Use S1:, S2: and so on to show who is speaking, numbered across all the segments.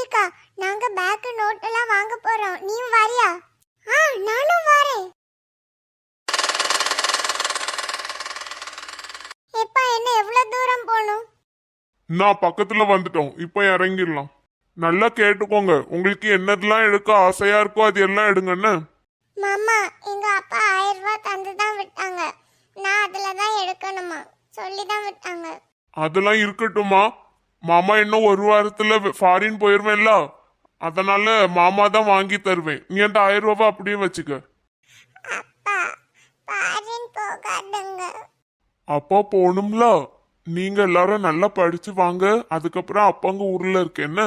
S1: மௌலிகா, நாங்க back note எல்லாம் வாங்க போறோம். நீயும் வாரியா? நானும் வரேன். எப்பா, என்ன எவ்வளவு தூரம் போகணும்?
S2: நான் பக்கத்துல வந்துட்டோம், இப்ப இறங்கிடலாம். நல்லா கேட்டுக்கோங்க, உங்களுக்கு என்னதெல்லாம் எடுக்க ஆசையா இருக்கோ அது எல்லாம் எடுங்கன்னு.
S1: மாமா, எங்க அப்பா 1000 ரூபாய் தந்து தான் விட்டாங்க. நான் அதுல தான் எடுக்கணுமா, சொல்லி தான் விட்டாங்க.
S2: அதெல்லாம் இருக்கட்டுமா, மாமா இன்னும் ஒரு வாரத்துல ஃபாரின் போயிருவேன்ல, அதனால மாமா தான் வாங்கி தருவேன். நீ அந்த 1000 ரூபாய் அப்படியே வச்சுக்க.
S1: அப்பா, ஃபாரின் போகாதுங்க.
S2: அப்பா போகணும்ல, நீங்க எல்லாரும் நல்லா படிச்சு வாங்க, அதுக்கப்புறம் அப்பாங்க ஊர்ல இருக்கேன்னு.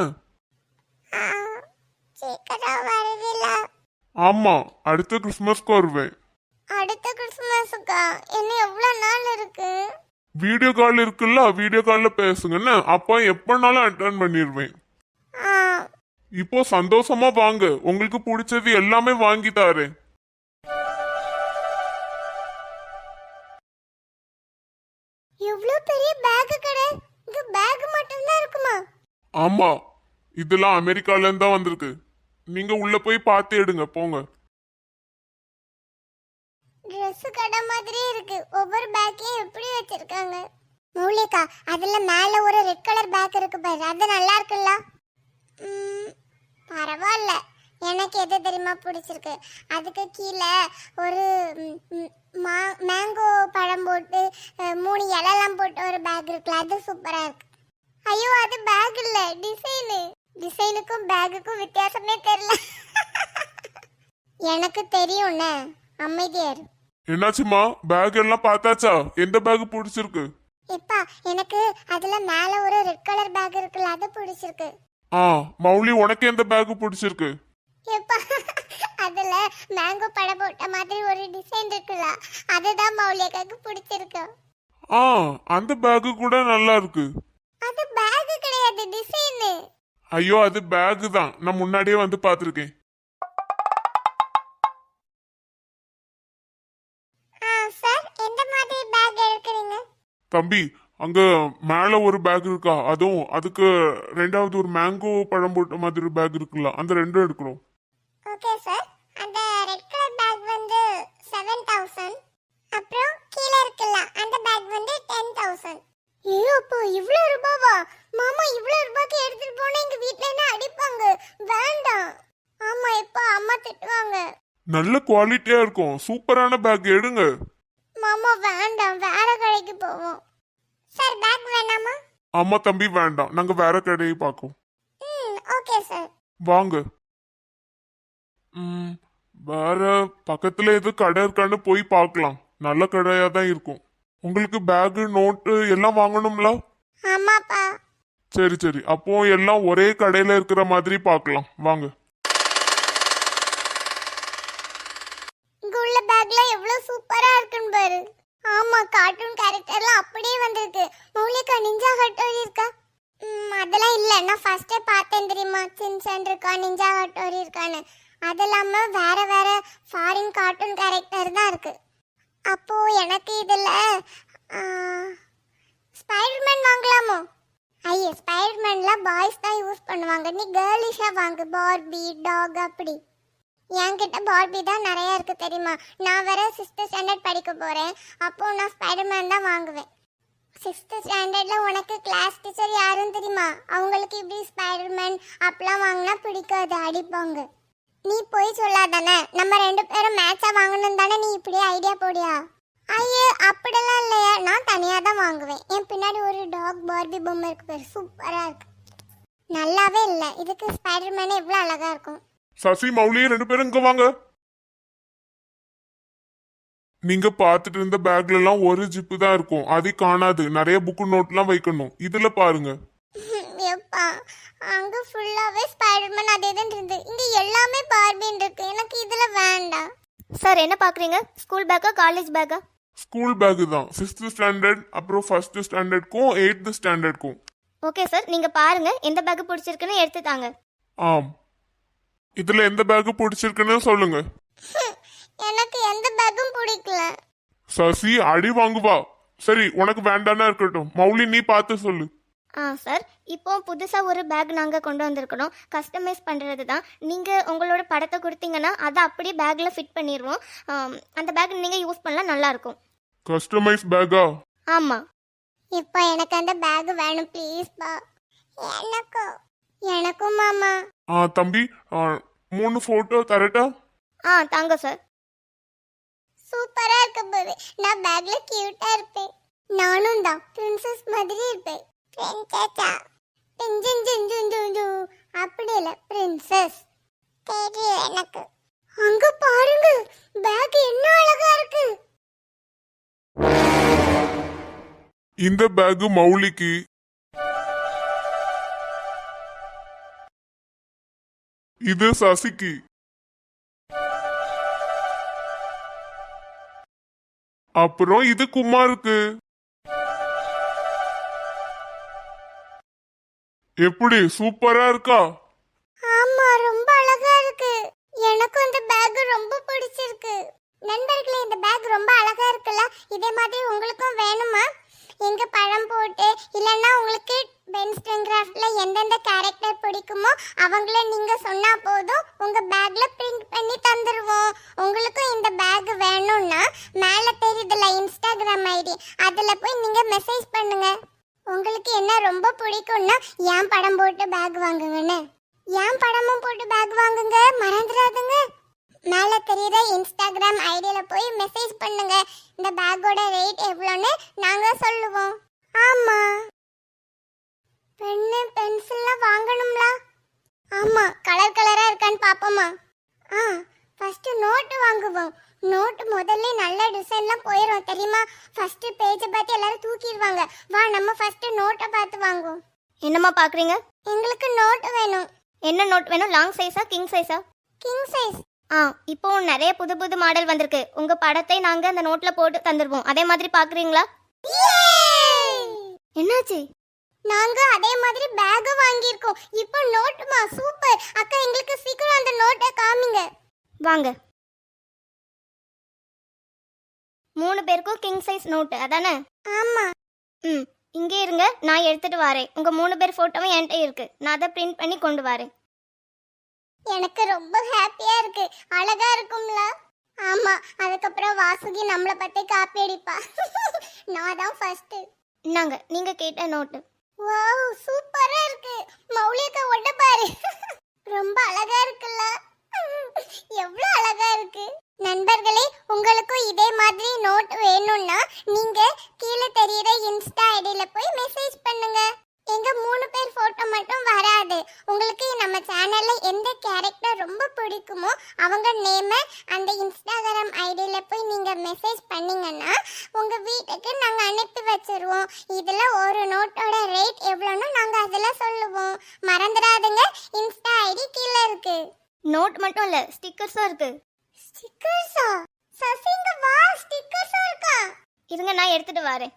S1: சீக்கிரம் வருவீல?
S2: ஆமா, அடுத்த கிறிஸ்மஸ்க்கு வருவேன்.
S1: அடுத்த கிறிஸ்மஸுக்கா? இன்னும் எவ்வளவு நாள் இருக்கு?
S2: வீடியோ கால் இருக்குல்ல, வீடியோ கால்ல பேசுங்கன்னு, அப்பா எப்பனாலும் அட்டென்ட் பண்ணிடுவேன். இப்போ சந்தோஷமா வாங்க, உங்களுக்கு பிடிச்சது எல்லாமே வாங்கி தாரேன்.
S1: எவ்வளவு பெரிய பேக் கடை! இங்க பேக் மட்டும் தான் இருக்குமா?
S2: ஆமா, இதெல்லாம் அமெரிக்கால இருந்து தான் வந்திருக்கு. நீங்க உள்ள போய் பார்த்து எடுங்க, போங்க.
S1: Dress கடை மாதிரி இருக்கு. ஒவ்வொரு பேக்கையும் எப்படி வச்சிருக்காங்க? மௌலிகா, அதுல மேல ஒரு ரெட் கலர் பேக் இருக்கு பாரு, அது நல்லா இருக்குல்ல? பரவாயில்ல. எனக்கு எது தெரியுமா பிடிச்சிருக்கு? அதுக்கு கீழே ஒரு மேங்கோ பழம் போட்டு 3 இலைலாம் போட்டு ஒரு பேக் இருக்குல்ல, அது சூப்பரா இருக்கு. ஐயோ, அது பேக் இல்ல, டிசைனு. டிசைனுக்கும் பேக்குக்கும் வித்தியாசமே தெரியல. எனக்கு தெரியும்னே, அமைதியா இரு.
S2: என்னாச்சுமா, பேக் எல்லாம் பார்த்தாச்சா? எந்த பேக் பிடிச்சிருக்கு?
S1: எப்பா, எனக்கு அதுல மேல ஒரு ரெட் கலர் பேக் இருக்குல்ல, அது பிடிச்சிருக்கு.
S2: மௌலி, உனக்கு எந்த பேக் பிடிச்சிருக்கு?
S1: எப்பா, அதுல மேங்கோ பழம் போட்ட மாதிரி ஒரு டிசைன் இருக்குல்ல, அதுதான் மௌலிகாக்கு பிடிச்சிருக்கு.
S2: அந்த பேக் கூட நல்லா இருக்கு.
S1: அது பேக் கிடையாது, டிசைன்.
S2: ஐயோ, அது பேக் தான், நான் முன்னாடியே வந்து பார்த்திருக்கேன்.
S1: சார், எந்த மாதிரி பேக் எடுக்கிறீங்க?
S2: தம்பி, அங்க மேல ஒரு பேக் இருக்கா, அதுவும் அதுக்கு ரெண்டாவது ஒரு மேங்கோ பழம் போட்ட மாதிரி பேக் இருக்குல்ல, அந்த ரெண்டும் எடுக்கிறோம்.
S1: Okay sir. அந்த ரெட் கலர் பேக் வந்து 7000. அப்புறம் கீழே இருக்குல்ல, அந்த பேக் வந்து 10000. ஐயோ, அப்போ இவ்ளோ ரூபாவா? மாமா, இவ்ளோ ரூபாய்க்கு எடுத்துட்டு போனா எங்க வீட்ல என்ன அடிப்பாங்க. வேண்டாம். ஆமா, இப்ப அம்மா திட்டுவாங்க.
S2: நல்ல குவாலிட்டியா இருக்கும், சூப்பரான பேக் எடுங்க.
S1: மாமா வேண்டாம், வேற கடைக்கு போவோம். சார், பேக் வேணாமா?
S2: ஆமா தம்பி, வேண்டாம், நாங்க வேற கடையை பார்க்கோம்.
S1: Okay sir.
S2: வாங்க. வேற பக்கத்துல எது கடை இருக்கான்னு போய் பார்க்கலாம், நல்ல கடையா தான் இருக்கும். உங்களுக்கு பேகு நோட்டு எல்லாம் வாங்கணும்ல?
S1: ஆமாப்பா.
S2: சரி சரி, அப்போ எல்லாம் ஒரே கடையில இருக்கிற மாதிரி பார்க்கலாம், வாங்க.
S1: இங்க உள்ள பேக்ல எவ்வளவு சூப்பரா இருக்குன்னு பாரு. ஆமா, கார்ட்டூன் கேரக்டர்லாம் அப்படியே வந்திருக்கு. மௌலிகா, நிஞ்சா ஹட்டோரி இருக்கா? அதெல்லாம் இல்ல, நான் ஃபர்ஸ்டே பார்த்தேன் தெரியுமா, சின்சான் இருக்கா, நிஞ்சா ஹட்டோரி இருக்கான்னு. அது இல்லாம வேற வேற ஃபாரின் கார்ட்டூன் கேரக்டர் தான் இருக்கு. அப்போ எனக்கு இதுல ஸ்பைடர்மேன் வாங்கலாமோ? ஐயே, ஸ்பைடர்மேன்ல பாய்ஸ் தான் யூஸ் பண்ணுவாங்க, நீ கேர்லிஷா வாங்கு, பார்பி, டாக் அப்படி. என்கிட்ட பார்பி தான் நிறைய இருக்கு தெரியுமா. நான் வேற 6th ஸ்டாண்டர்ட் படிக்க போறேன், அப்போ நான் ஸ்பைடர்மேன் தான் வாங்குவேன். 6th ஸ்டாண்டர்ட்ல உனக்கு கிளாஸ் டீச்சர் யாரும் தெரியுமா? அவங்களுக்கு இப்படி ஸ்பைடர்மேன் அப்பெல்லாம் வாங்கினா பிடிக்காது, அடிப்பாங்க. நீ போய் சொல்லாதானே, நம்ம 2 பேரும் மேட்சா வாங்கணும் தானே, நீ இப்படியே ஐடியா போடியா? ஐயோ, அப்படிலாம் இல்லையா, நான் தனியா தான் வாங்குவேன். என் பின்னாடி ஒரு டாக் பார்பி பொம்மை இருக்கு பேர், சூப்பரா இருக்கு. நல்லாவே இல்லை, இதுக்கு ஸ்பைடர்மேனே எவ்வளவு அழகா இருக்கும்.
S2: சசி, மௌலி, 2 பேரும் இங்க வாங்க. நீங்க பார்த்துட்டு இருந்த பேக்ல எல்லாம் ஒரு ஜிப்பு தான் இருக்கும், அது காணாது. நிறைய புக்கு நோட்லாம் வைக்கணும். இதுல பாருங்க.
S1: எப்பா, அங்க ஃபுல்லாவே ஸ்பைடர்மேன் அதே தான் இருந்து, இங்க எல்லாமே பார்பின் இருக்கு. எனக்கு இதுல வேண்டாம்.
S3: சார், என்ன பாக்குறீங்க? ஸ்கூல் பேக்கா காலேஜ் பேக்கா?
S2: ஸ்கூல் பேக் தான், 6th ஸ்டாண்டர்ட் அப்புறம் 1st ஸ்டாண்டர்ட்க்கும் 8th ஸ்டாண்டர்ட்க்கும்.
S3: ஓகே சார், நீங்க பாருங்க எந்த பேக் பிடிச்சிருக்குன்னு எடுத்து தாங்க.
S2: ஆம், இதுல எந்த பேக் பிடிச்சிருக்குன்னு சொல்லுங்க.
S1: எனக்கு எந்த பேக்கும் பிடிக்கல.
S2: சசி, அடி வாங்குவா. சரி, உனக்கு வேண்டானா இருக்கட்டும். மௌலி, நீ பார்த்து சொல்லு.
S3: சார், இப்போ புதுசாக ஒரு பேக் நாங்கள் கொண்டு வந்திருக்கிறோம். கஸ்டமைஸ் பண்ணுறது தான். நீங்கள் உங்களோட படத்தை கொடுத்தீங்கன்னா அதை அப்படியே பேக்கில் ஃபிட் பண்ணிடுவோம். அந்த பேக் நீங்கள் யூஸ் பண்ணலாம், நல்லாயிருக்கும்.
S2: கஸ்டமைஸ் பேக்கா?
S3: ஆமாம்.
S1: இப்போ எனக்கு அந்த பேக் வேணும் ப்ளீஸ் பா. எனக்கும் மாமா.
S2: தம்பி 3 போட்டோ தரட்டா?
S3: தாங்க சார்.
S1: சூப்பரா இருக்கு பாரு. நான் பேக்ல கியூட்டா இருப்பேன். நானும் தான் பிரின்சஸ் மாதிரி இருப்பேன். பிரின்சஸா? அப்படி இல்ல, பிரின்சஸ். தெரியும் எனக்கு. அங்க பாருங்க, பேக் என்ன அழகா இருக்கு.
S2: இந்த பேக் மௌலிக்கு. இது சசிக்கு. அப்புறம் இது குமாருக்கு. எப்படி, சூப்பரா இருக்கா?
S1: ஆமா, ரொம்ப அழகா இருக்கு. எனக்கும் இந்த பேக் ரொம்ப பிடிச்சிருக்கு. நண்பர்களே, இந்த பேக் ரொம்ப அழகா இருக்குல்ல? இதே மாதிரி உங்களுக்கும் வேணுமா? எங்க பழம் போட்டு இல்லைன்னா உங்களுக்கு பென்ஸ்டன் கிராஃப்ட்ல எந்தெந்த கேரக்டர் பிடிக்குமோ அவங்கள நீங்க சொன்னா போதும், உங்க பேக்ல பிரிண்ட் பண்ணி தந்துருவோம். உங்களுக்கும் இந்த பேக் வேணும்னா மேல தெரியுதுல இன்ஸ்டாகிராம் ஐடி, அதுல போய் நீங்க மெசேஜ் பண்ணுங்க. உங்களுக்கு என்ன ரொம்ப பிடிக்கும்னா ஏன் படம் போட்டு பேக் வாங்குங்கன்னு. ஏன் படமும் போட்டு பேக் வாங்குங்க, மறந்துடாதுங்க. மேல தெரியுற இன்ஸ்டாகிராம் ஐடியில போய் மெசேஜ் பண்ணுங்க. இந்த பேக்கோட ரேட் எவ்வளோன்னு நாங்க சொல்லுவோம். ஆமா, பென்னு பென்சில்லாம் வாங்கணும்ல? ஆமா, கலர் கலரா இருக்கான்னு பாப்போமா? ஃபர்ஸ்ட் நோட்டு வாங்குவோம். நோட்டு முதல்ல நல்ல டிசைன்லாம் போயிடும் தெரியுமா? ஃபர்ஸ்ட் பேஜை பார்த்து எல்லாரும் தூக்கிடுவாங்க. வா, நம்ம ஃபர்ஸ்ட் நோட்டை பார்த்து வாங்குவோம்.
S3: என்னம்மா பார்க்குறீங்க?
S1: எங்களுக்கு நோட்டு வேணும்.
S3: என்ன நோட் வேணும்? லாங் சைஸா கிங் சைஸா?
S1: King size.
S3: இப்போ நிறைய புது புது மாடல் வந்திருக்கு. உங்க படத்தை நாங்க அந்த நோட்ல போட்டு தந்துருவோம். அதே மாதிரி பாக்குறீங்களா? என்னாச்சு?
S1: நாங்க அதே மாதிரி பேக் வாங்கியிருக்கோம். இப்போ நோட்டுமா? சூப்பர் அக்கா, எங்களுக்கு சீக்கிரம் அந்த நோட்டை காமிங்க.
S3: வாங்க. 3 பேருக்கும் கிங் சைஸ் நோட்டு அதானே?
S1: ஆமா.
S3: இங்கே இருங்க, நான் எடுத்துட்டு வரேன். உங்க 3 பேர் போட்டோவும் என்கிட்ட இருக்கு. நான் அதை பிரிண்ட் பண்ணி கொண்டு வரேன்.
S1: எனக்கு ரொம்ப ஹாப்பியா இருக்கு. அழகா இருக்கும்ல? ஆமா, அதுக்கப்புறம் வாசுகி நம்மள பத்தி காப்பி அடிப்பா. நான் தான் ஃபர்ஸ்ட்.
S3: இந்தாங்க, நீங்க கேட்ட நோட்டு.
S1: வாவ், சூப்பரா இருக்கு. மௌலிகா ஒட்ட பாரு. ரொம்ப அழகா இருக்குல்ல? எவ்வளவு அழகா இருக்கு. நண்பர்களே, உங்களுக்கும் இதே மாதிரி நோட் வேணும்னா நீங்க கீழே தெரியுற இன்ஸ்டா ஐடியில போய் மெசேஜ் பண்ணுங்க. எங்க 3 பேர் போட்டோ மட்டும் வராது. உங்களுக்கு நம்ம சேனல்ல எந்த கேரக்டர் ரொம்ப பிடிக்குமோ அவங்க நேம அந்த இன்ஸ்டாகிராம் ஐடியில போய் நீங்க மெசேஜ் பண்ணீங்கன்னா உங்க வீட்டுக்கு நாங்க அனுப்பி வச்சிருவோம். இதுல ஒரு நோட்டோட ரேட் எவ்வளோன்னு நாங்க அதுல சொல்லுவோம். மறந்துடாதுங்க, இன்ஸ்டா ஐடி கீழே இருக்கு.
S3: நோட் மட்டும் இல்ல, ஸ்டிக்கர்ஸும் இருக்கு.
S1: ஸ்டிக்கர்ஸா? சசிங்க வா, ஸ்டிக்கர்ஸும் இருக்கா?
S3: இருங்க, நான் எடுத்துட்டு வரேன்.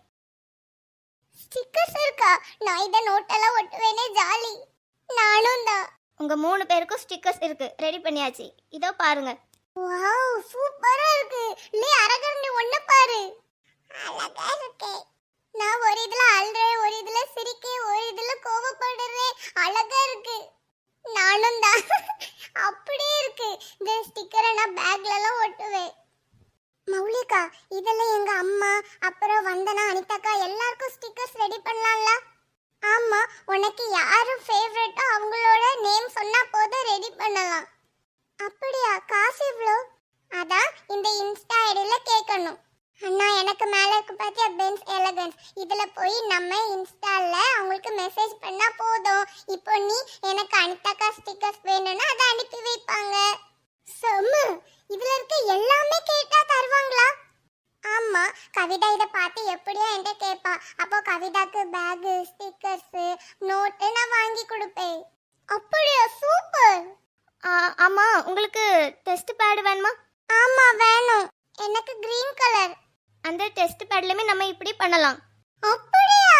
S1: ஸ்டிக்கர்ஸ் இருக்கா? நான் இந்த நோட்டெல்லாம் ஒட்டுவேனே, ஜாலி. நானும் தான்.
S3: உங்க 3 பேருக்கும் ஸ்டிக்கர்ஸ் இருக்கு, ரெடி பண்ணியாச்சு. இதோ பாருங்க.
S1: வாவ், சூப்பரா இருக்கு. லே அரகரண்டி ஒண்ணு பாரு. அழகா இருக்கு. நான் ஒரு இதுல அழுறேன், ஒரு இதுல சிரிக்கேன், ஒரு இதுல கோவப்படுறேன். அழகா இருக்கு. நானும் தான். அப்படியே இருக்கு. இந்த ஸ்டிக்கரை நான் பேக்ல எல்லாம் ஒட்டுவேன். மௌலிகா, இதுல எங்க அம்மா அப்புறம் வந்தனா அனிதாக்கா எல்லாருக்கும் ஸ்டிக்கர்ஸ் ரெடி பண்ணலாம்ல? ஆமா, உனக்கு யாரு ஃபேவரட்டோ அவங்களோட நேம் சொன்னா போதும், ரெடி பண்ணலாம். அப்படியா? காசு எவ்வளோ? அதான் இந்த இன்ஸ்டா ஐடியில கேட்கணும். அண்ணா, எனக்கு மேல இருக்கு பாத்தியா பென்ஸ் எலகன்ஸ், இதுல போய் நம்ம இன்ஸ்டால அவங்களுக்கு மெசேஜ் பண்ணா போதும். இப்போ நீ எனக்கு அனிதாக்கா ஸ்டிக்கர்ஸ் வேணும்னா அதை அனுப்பி வைப்பாங்க. செம்ம. இதுல இருக்க எல்லாமே கேட்டா தருவாங்களா? ஆமா, கவிதா இதை பார்த்து எப்படியோ என்கிட்ட கேட்பா. அப்போ கவிதாக்கு பேக், ஸ்டிக்கர்ஸ், நோட்டு நான் வாங்கி கொடுப்பேன். அப்படியா? சூப்பர்.
S3: ஆமா, உங்களுக்கு டெஸ்ட் பேட் வேணுமா?
S1: ஆமா வேணும். எனக்கு கிரீன் கலர்.
S3: அந்த டெஸ்ட் பேட்லயுமே நம்ம இப்படி பண்ணலாம்.
S1: அப்படியா?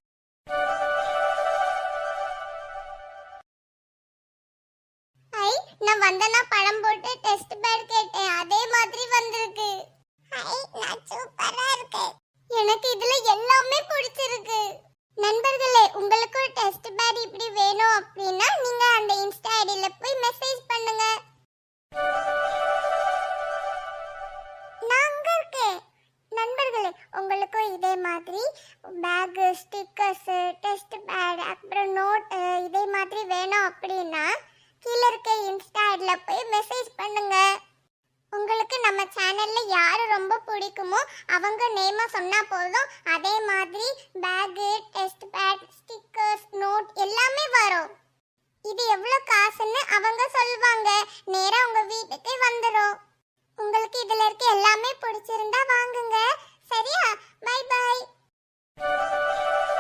S1: ஐ, நான் வந்தனா பழம் போட்டு டெஸ்ட் பேட் கேட்டேன், அதே மாதிரி வந்திருக்கு. ஐ, நான் சூப்பரா இருக்கு. எனக்கு இதுல எல்லாமே பிடிச்சிருக்கு. நண்பர்களே, உங்களுக்கு இருக்குமோ அவங்க நேமை சொன்னா போதும், அதே மாதிரி bag, test pad, stickers, note எல்லாமே வரும். இது எவ்வளவு காசுன்னு அவங்க சொல்லுவாங்க, நேரா உங்க வீட்டுக்கு வந்துரும். உங்களுக்கு இதுல இருக்க எல்லாமே பிடிச்சிருந்தா வாங்குங்க. சரியா? Bye by.